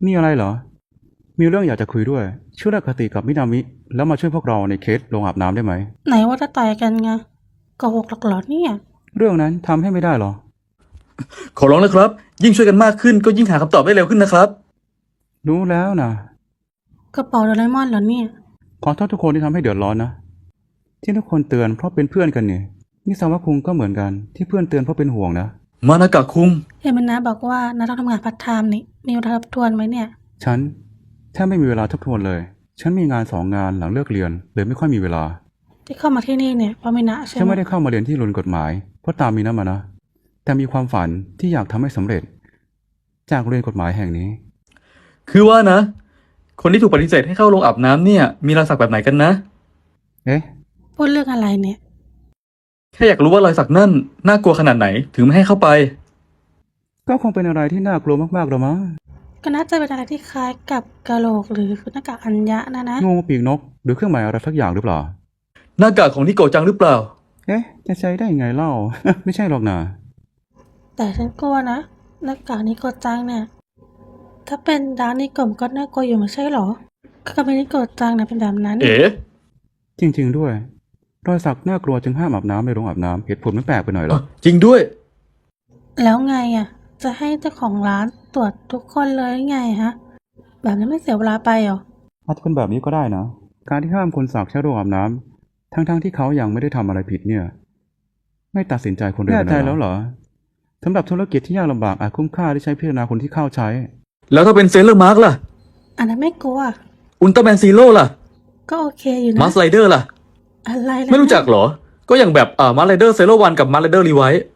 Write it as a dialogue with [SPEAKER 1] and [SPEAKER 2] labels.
[SPEAKER 1] มีอะไรเหรอมีเรื่องอยากจะคุยด้วยช่วยเลิกคติกับมินามิแล้วมาช่วยพวกเราในเคสโรงอาบน้ำได้ไหม
[SPEAKER 2] ไหนว่าจะต่อยกันไงโกหกหรอกเหรอเนี่ย
[SPEAKER 1] เรื่องนั้นทำให้ไม่ได้หรอ
[SPEAKER 3] ขอร้องนะครับยิ่งช่วยกันมากขึ้นก็ยิ่งหาคำตอบได้เร็วขึ้นนะครับ
[SPEAKER 1] รู้แล้วนะ
[SPEAKER 2] กระเป๋าโดเรมอนเหรอเนี่ย
[SPEAKER 1] ขอโทษทุกคนที่ทำให้เดือดร้อนนะที่ทุกคนเตือนเพราะเป็นเพื่อนกันเนี่ยมิซาวะคุงก็เหมือนกันที่เพื่อนเตือนเพราะเป็นห่วงนะ
[SPEAKER 3] มานากะคุง
[SPEAKER 2] เห็นมันนะบอกว่าน้าต้องทำงานพาร์ทไทม์นี่มีเวลาทบทวนไหมเนี่ย
[SPEAKER 1] ฉันแทบไม่มีเวลาทบทวนเลยฉันมีงาน2 งานหลังเลิกเรียนเลยไม่ค่อยมีเวลา
[SPEAKER 2] ที่เข้ามาที่นี่เนี่ยเพราะมินะใช่ไหม
[SPEAKER 1] ฉันไม่ได้เข้ามาเรียนที่โรงเรียนกฎหมายเพราะตามมีนะมานะแต่มีความฝันที่อยากทำให้สำเร็จจากโรงเรียนกฎหมายแห่งนี้
[SPEAKER 3] คือว่านะคนที่ถูกปฏิเสธให้เข้าโรงอาบน้ำเนี่ยมีรอยสักแบบไหนกันนะ
[SPEAKER 1] เอ๊ะ
[SPEAKER 2] พูดเรื่องอะไรเนี่ย
[SPEAKER 3] แค่อยากรู้ว่ารอยสักนั่นน่ากลัวขนาดไหนถึงไม่ให้เข้าไป
[SPEAKER 1] ก็คงเป็นอะไรที่น่ากลัวมากๆหรอมั้ง
[SPEAKER 2] ก็น่าจะเป็นอะไรที่คล้ายกับกะโหลกหรือหน้ากากอัญญะนะ
[SPEAKER 1] งูปีกนกหรือเครื่องหมายอะไรสักอย่างหรือเปล่า
[SPEAKER 3] หน้ากากของนิโกะจังหรือเปล่า
[SPEAKER 1] เอ๊ะจะใช้ได้ยังไงเล่า ไม่ใช่หรอกนะ
[SPEAKER 2] แต่ฉันกลัวนะหน้ากากนิโกจังเนี่ยถ้าเป็นดาร์กนิโกะก็น่ากลัวอยู่ไม่ใช่หรอก็เป็นนิโกจังนะเป็นแบบนั้น
[SPEAKER 3] เอ๋
[SPEAKER 1] จริงๆด้วยรอยสักน่ากลัวจึงห้ามอาบน้ำในโรงอาบน้ำเหตุผลไม่แปลกไปหน่อยหรอ
[SPEAKER 3] จริงด้วย
[SPEAKER 2] แล้วไงอ่ะจะให้เจ้าของร้านตรวจทุกคนเลยไงฮะแบบนี้ไม่เสียเวลาไปหรอ
[SPEAKER 1] อาจจะเป็นแบบนี้ก็ได้นะการที่ห้ามคนสักใช้โรงอาบน้ำทั้งๆที่เขายังไม่ได้ทำอะไรผิดเนี่ยไม่ตัดสินใจคนเดียวแน่ใจแล้วเหรอสำหรับธุรกิจที่ยากลำบากอาจคุ้มค่าที่ใช้พิจารณาคนที่เข้าใช้
[SPEAKER 3] แล้วถ้าเป็นเซเลอร์มาร์กล่ะ
[SPEAKER 2] อันนั้นไม่กลัว
[SPEAKER 3] อุลตร้าแมนซีโร่ล่ะ
[SPEAKER 2] ก็โอเคอยู่นะ
[SPEAKER 3] มาสไลเดอร์ล่ะ
[SPEAKER 2] อะไรนะ
[SPEAKER 3] ไม่รู้จักเหรอก็อย่างแบบมาสไลเดอร์เซโร่วันกับมาสไลเดอร์รีไวท์